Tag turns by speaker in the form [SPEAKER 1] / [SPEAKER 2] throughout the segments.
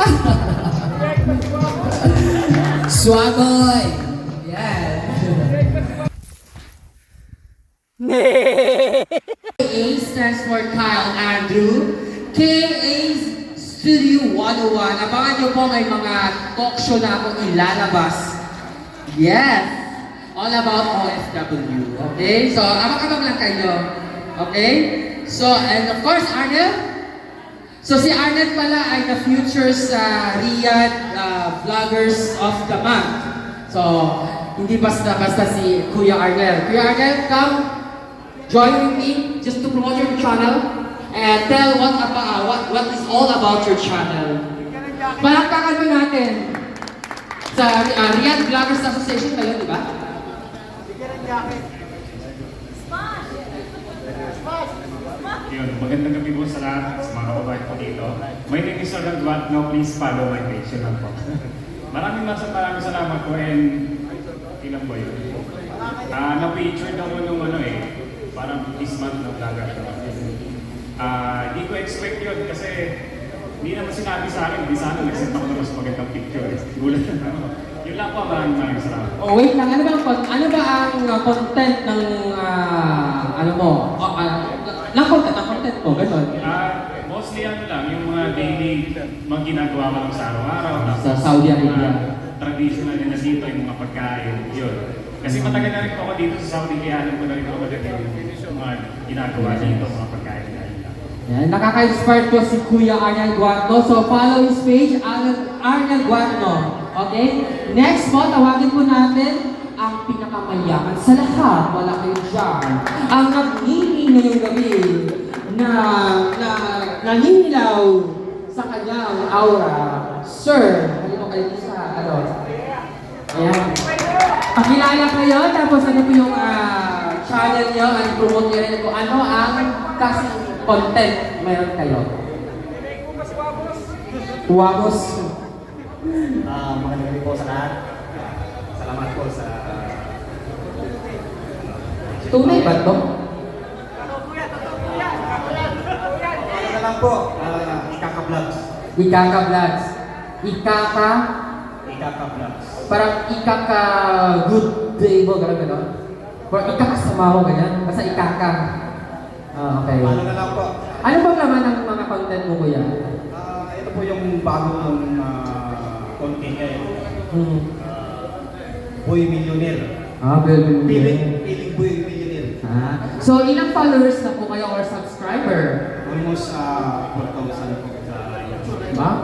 [SPEAKER 1] Swagoy! Yan. KA stands for Kyle Andrew. KA Studio 101. Abangan nyo po may mga talk show na akong ilalabas. Yes! All about OFW. Okay? So, abang-abang lang kayo. Okay? So, and of course, Arnel. So, si Arnel pala ay the future sa Riyadh Vloggers of the Month. So, hindi basta-basta si Kuya Arnel. Kuya Arnel, come join with me just to promote your channel and tell what is all about your channel. Palakpakan mo natin sa Riyadh Vloggers Association kayo, di ba?
[SPEAKER 2] Yun, magandang gabi po sa lahat, sa mga kababayan ko dito. My name is Orlando Duatno, please follow my page. Yun lang po. maraming salamat po and ilang po yun. Na-feature daw mo nung parang this month na vlogger show. Hindi ko expect yun kasi hindi naman sinabi sa akin, hindi sana nag-send ako ng mas magandang picture. Gulat na ako. Yun lang po, maraming salamat.
[SPEAKER 1] Oh, wait lang, ano ba ang content ng ng content mo, gano'n?
[SPEAKER 2] Mostly lang, yung mga daily mga ginagawa ko lang sa araw-araw.
[SPEAKER 1] Sa Saudi Arabia.
[SPEAKER 2] Traditional na dito, yung mga pagkain, yun. Kasi matagal na rin po ako dito sa Saudi, kaya alam ko na rin ako yung mga ginagawa dito, mga pagkain.
[SPEAKER 1] Yan, nakaka-inspire po si Kuya Arnel Duatno. So, follow his page, Arnel Duatno. Okay? Next po, tawagin po natin ang pinakamayaman sa lahat. Wala kayo dyan. Ang nagningi ngayong gabi na naninilaw sa kanyang aura. Sir, halino kayo sa Ayan. Pakilala kayo, tapos ano po yung channel nyo, promote nyo rin kung ano ang kasing content meron kayo. Huwagos.
[SPEAKER 3] Magandang gabi po sa lahat. Salamat po sa...
[SPEAKER 1] Tunay ba ito?
[SPEAKER 3] Ano lang po, Ikaka-vlogs.
[SPEAKER 1] Ikaka-vlogs. Ikaka?
[SPEAKER 3] Ikaka-vlogs.
[SPEAKER 1] Parang ikaka-good day mo, gano'n. Parang ikaka-sama mo, ganyan. Basta ikaka. Okay.
[SPEAKER 3] Ano na lang po.
[SPEAKER 1] Ano bang laman ng mga content mo, kuya?
[SPEAKER 3] Ito po yung bagong content ngayon. Boy Millionaire. Piling Boy Millionaire.
[SPEAKER 1] So, ilang followers na po kayo or subscriber?
[SPEAKER 3] Almost 4,000 po sa YouTube.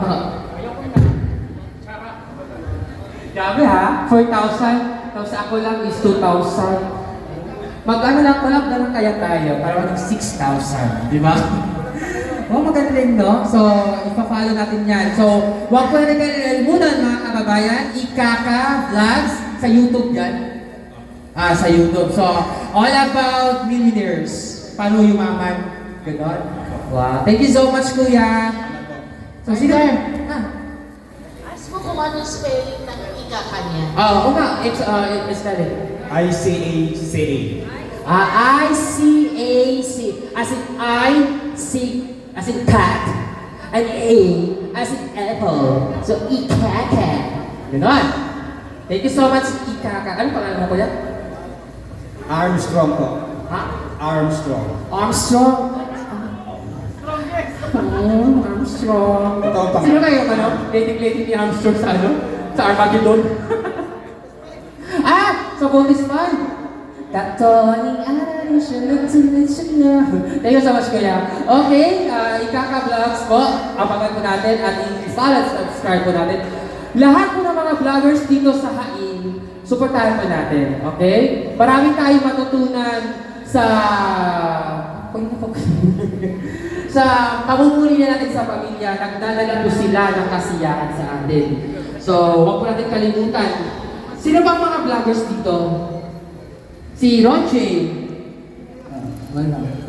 [SPEAKER 1] Grabe ha? 4,000? Tapos ako lang is 2,000. Mag-ano lang, collab na lang kaya tayo para maging 6,000, di ba? Oh, magaling, no? So, ipa-follow natin yan. So, huwag po natin kalimutan mga kababayan, Ikaka Vlogs sa YouTube yan. Sa YouTube. So, all about millionaires. Paano yumaman? Ganon. Wow. Thank you so much, Kuya. So, sino?
[SPEAKER 4] Ask mo kung anong spelling ng Ikaka niya.
[SPEAKER 1] Oo nga. It's that it.
[SPEAKER 3] ICACA.
[SPEAKER 1] I-C-A-C. As in I-C, as in cat. And A, as in apple. So, Ikaka. Ganon. Thank you so much, Ikaka. Ano pangalan mo, Kuya?
[SPEAKER 3] Armstrong po.
[SPEAKER 1] Ha?
[SPEAKER 3] Armstrong.
[SPEAKER 1] Armstrong. Armstrong.
[SPEAKER 3] Ito ang
[SPEAKER 1] Sino kayo, dating ni Armstrong sa Sa Armageddon. Sa bonus fun. Katoning araw siya nagsulit siya na. Thank you so much, Kuya. Okay, Ikaka Vlogs po. Abangan po natin at i-follow at subscribe po natin. Lahat po ng mga vloggers dito sa Hain, supportahan po natin. Okay? Marami tayong matutunan sa sa pamumuli na natin sa pamilya. Nagdadala po sila ng kasiyahan sa atin. So, huwag po natin kalimutan. Sino bang mga vloggers dito? Si Ronche. Wala.